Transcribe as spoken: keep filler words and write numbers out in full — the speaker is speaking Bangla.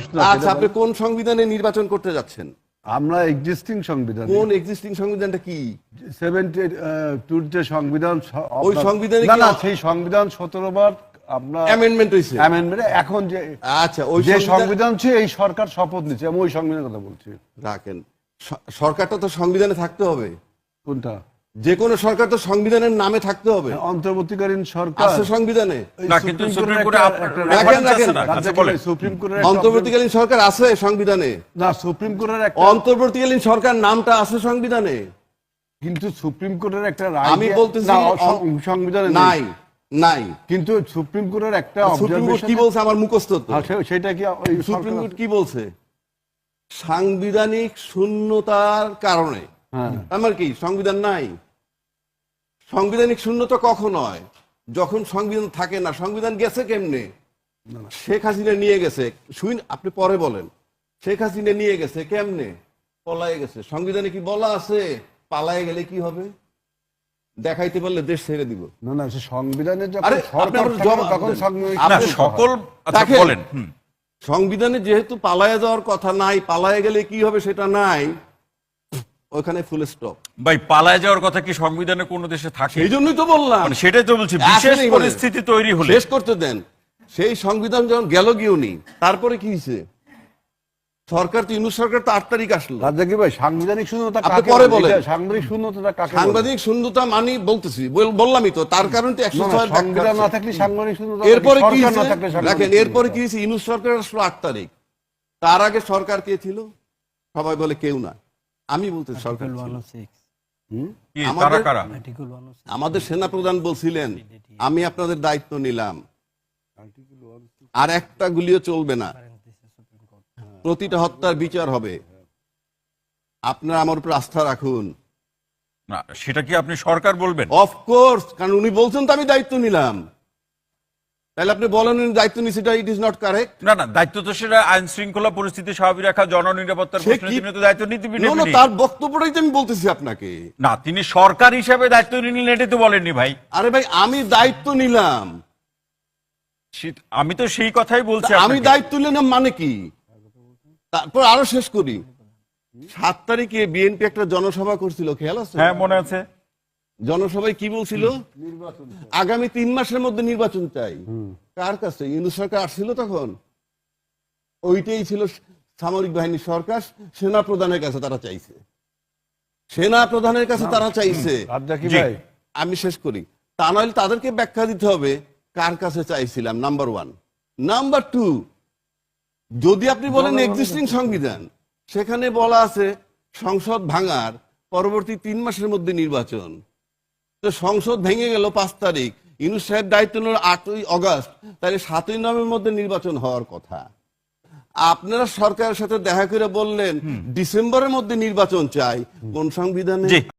প্রশ্ন। আচ্ছা, আপনি কোন সংবিধানে নির্বাচন করতে যাচ্ছেন? আমরা এক্সিস্টিং সংবিধান। কোন এক্সিস্টিং সংবিধানটা কি? সেভেন্টি টুর যে সংবিধান, ওই সংবিধানে না না সেই সংবিধান সতেরো বার আপনার অ্যামেন্ডমেন্ট হয়েছে। অ্যামেন্ডমেন্ট এখন যে আচ্ছা, ওই যে সংবিধান ছিল এই সরকার শপথ নিচ্ছে, আমি ওই সংবিধানের কথা বলছি। রাখেন, সরকারটা তো সংবিধানে থাকতে হবে। কোনটা? যে কোনো সরকার তো সংবিধানের নামে থাকতে হবে। অন্তর্বর্তীকালীন সরকার আছে সংবিধানে। না, কিন্তু সুপ্রিম কোর্টে রাখেন রাখেন সুপ্রিম কোর্টের অন্তর্বর্তীকালীন সরকার আছে সংবিধানে। না, সুপ্রিম কোর্টের একটা অন্তর্বর্তীকালীন সরকার নামটা আছে সংবিধানে, কিন্তু সুপ্রিম কোর্টের একটা রায় আমি বলতেছি সংবিধানে নাই নাই কিন্তু সুপ্রিম কোর্টের একটা সুপ্রিম কোর্ট কি বলছে আমার মুখস্থ তো। সেটা কি সুপ্রিম কোর্ট কি বলছে? সাংবিধানিক শূন্যতার কারণে। আমার কি সংবিধান নাই? সাংবিধানিক শূন্যতা কখন হয়? যখন সংবিধান থাকে না। সংবিধান গেছে কেমনে? শেখ হাসিনা নিয়ে গেছে। শুন, আপনি পরে বলেন। শেখ হাসিনা নিয়ে গেছে কেমনে? পলায়ে গেছে। সংবিধানে কি বলা আছে পালায়ে গেলে কি হবে? দেখাইতে পারলে দেশ ছেড়ে দিব। না না, সে সংবিধানে সকল বলেন। সংবিধানে যেহেতু পালায়ে যাওয়ার কথা নাই, পালায়ে গেলে কি হবে সেটা নাই, ওখানে ফুল স্টপ। ভাই, পালায়ে যাওয়ার কথা কি সংবিধানে কোন দেশে থাকে? এই জন্যই তো বললাম, সেটাই তো বলছি। বিশেষ পরিস্থিতি তৈরি হলে শেষ করতে দেন। সেই সংবিধান যখন গেল গিয়েওনি, তারপরে কি হয়েছে? সরকার তো ইউনূস সরকার তো আট তারিখ আসলো। রাজ্জাকি ভাই, সাংবিধানিক শূন্যতা কাকে পরে বলেন? সাংবিধানিক শূন্যতা কাকে? সাংবিধানিক শূন্যতা মানি বলতেছি, বললামই তো। তার কারণ তো একশো ছয় সংবিধান না থাকলে সাংবিধানিক শূন্যতা। এরপরে কি দেখেন, এরপরে কি হয়েছে? ইউনূস সরকার আসলো আট তারিখ। তার আগে সরকার কে ছিল? সবাই বলে কেউ না। আমি বলতে সরকার আমাদের সেনা প্রধান বলছিলেন আমি আপনাদের দায়িত্ব নিলাম, আর একটা গুলিও চলবে না, প্রতিটা হত্যার বিচার হবে, আপনারা আমার উপর আস্থা রাখুন। না, সেটা কি আপনি সরকার বলবেন? অফকোর্স, কারণ উনি বলছেন তো আমি দায়িত্ব নিলাম। তাহলে আপনি বলেন দায়িত্ব নিছি, ইট ইজ নট কারেক্ট। না না, দায়িত্ব তো সেটা আইন শৃঙ্খলা পরিস্থিতি স্বাভাবিক রাখা, জননিরাপত্তার প্রশ্নে তিনি তো দায়িত্ব নিতে পারেন। না, তার বক্তব্যটাই তো আমি বলতেছি আপনাকে। না, তিনি সরকার হিসেবে দায়িত্ব নিলেন, এটা তো বলেননি ভাই। আরে ভাই, আমি দায়িত্ব নিলাম, আমি তো সেই কথাই বলছি। আমি দায়িত্ব নিলাম মানে কি? তারপর আরো শেষ করি। সাত তারিখে বিএনপি একটা জনসভা করছিল, খেয়াল আছে? হ্যাঁ, মনে আছে। জনসভায় কি বলছিল? আগামী তিন মাসের মধ্যে নির্বাচন চাই। কার কাছে? ইউনূস সরকার আসছিল তখন। ওইটাই ছিল সামরিক বাহিনী সরকার, সেনা প্রধানের কাছে তারা চাইছে। সেনা প্রধানের কাছে তারা চাইছে। আমি শেষ করি। তা নইলে তাদেরকে ব্যাখ্যা দিতে হবে কার কাছে চাইছিলাম, নাম্বার ওয়ান। নাম্বার টু, যদি আপনি বলেন এক্সিস্টিং সংবিধান, সেখানে বলা আছে সংসদ ভাঙার পরবর্তী তিন মাসের মধ্যে নির্বাচন। তো সংসদ ভেঙে গেল পাঁচ তারিখ, ইউনূস সাহেব দায়িত্ব নিল আটই অগস্ট, তাহলে সাতই নভেম্বরের মধ্যে নির্বাচন হওয়ার কথা। আপনারা সরকারের সাথে দেখা করে বললেন ডিসেম্বরের মধ্যে নির্বাচন চাই। কোন সংবিধানে?